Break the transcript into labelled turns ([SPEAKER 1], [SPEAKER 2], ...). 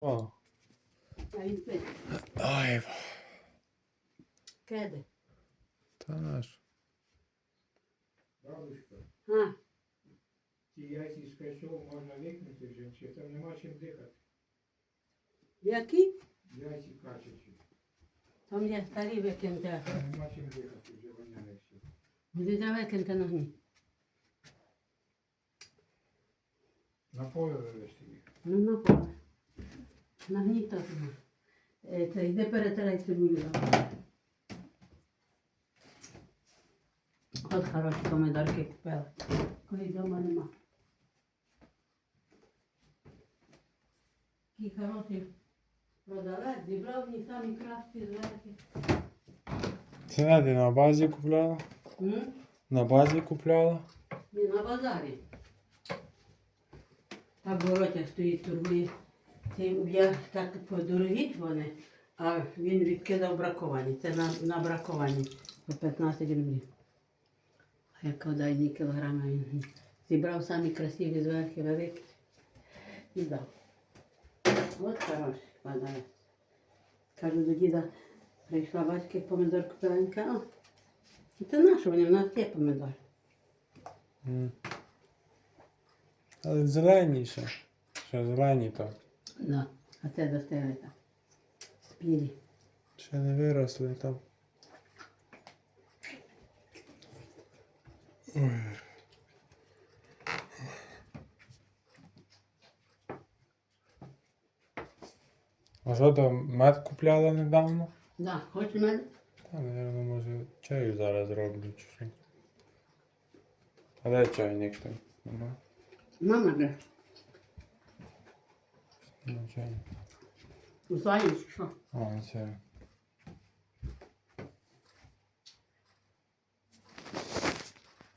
[SPEAKER 1] О,
[SPEAKER 2] А він пить.
[SPEAKER 1] ай,
[SPEAKER 2] Кеди.
[SPEAKER 1] та ж.
[SPEAKER 3] Бабушка,
[SPEAKER 2] А,
[SPEAKER 3] ті яйці з качок можна викинути вже, чи там нема чим дихати.
[SPEAKER 2] які?
[SPEAKER 3] Яйці качачі.
[SPEAKER 2] Там є старі викиньте.
[SPEAKER 3] Там нема чим дихати, вже воняє все.
[SPEAKER 2] Буде викиньте на гні.
[SPEAKER 3] На поле вивезти їх.
[SPEAKER 2] Ну, на поле. На гні то нема. Це йде перетирай цибулю. От хороші помидорки купила. Коли вдома нема. Такі хороші продавець, зібрав мені самі кращі зверхи.
[SPEAKER 1] Це не ти на базі купляла? На базі купляла?
[SPEAKER 2] Ні, на базарі. Так воротя стоїть, торгує. Я так подорогі вони, а він відкидав браковані. Це на браковані по 15 рублів. А як дай 2 кілограми він зібрав самі красиві зверхи великі і дав. От хороший подарунок. Кажу до діда, прийшла батьки помидор купила, він каже, а це наше, вони в нас є помидор.
[SPEAKER 1] Але зелені ще. Ще зелені так.
[SPEAKER 2] Да. А це достигли так. Спілі.
[SPEAKER 1] Ще не виросли там. Ой. А що там, мед купляла недавно?
[SPEAKER 2] Да, хоч мене?
[SPEAKER 1] Та, мабуть, може чаю зараз зроблю чи що. А де чайник там? Нема?
[SPEAKER 2] Мама де?
[SPEAKER 1] Нема чайника.
[SPEAKER 2] У Сані, що?
[SPEAKER 1] А, це.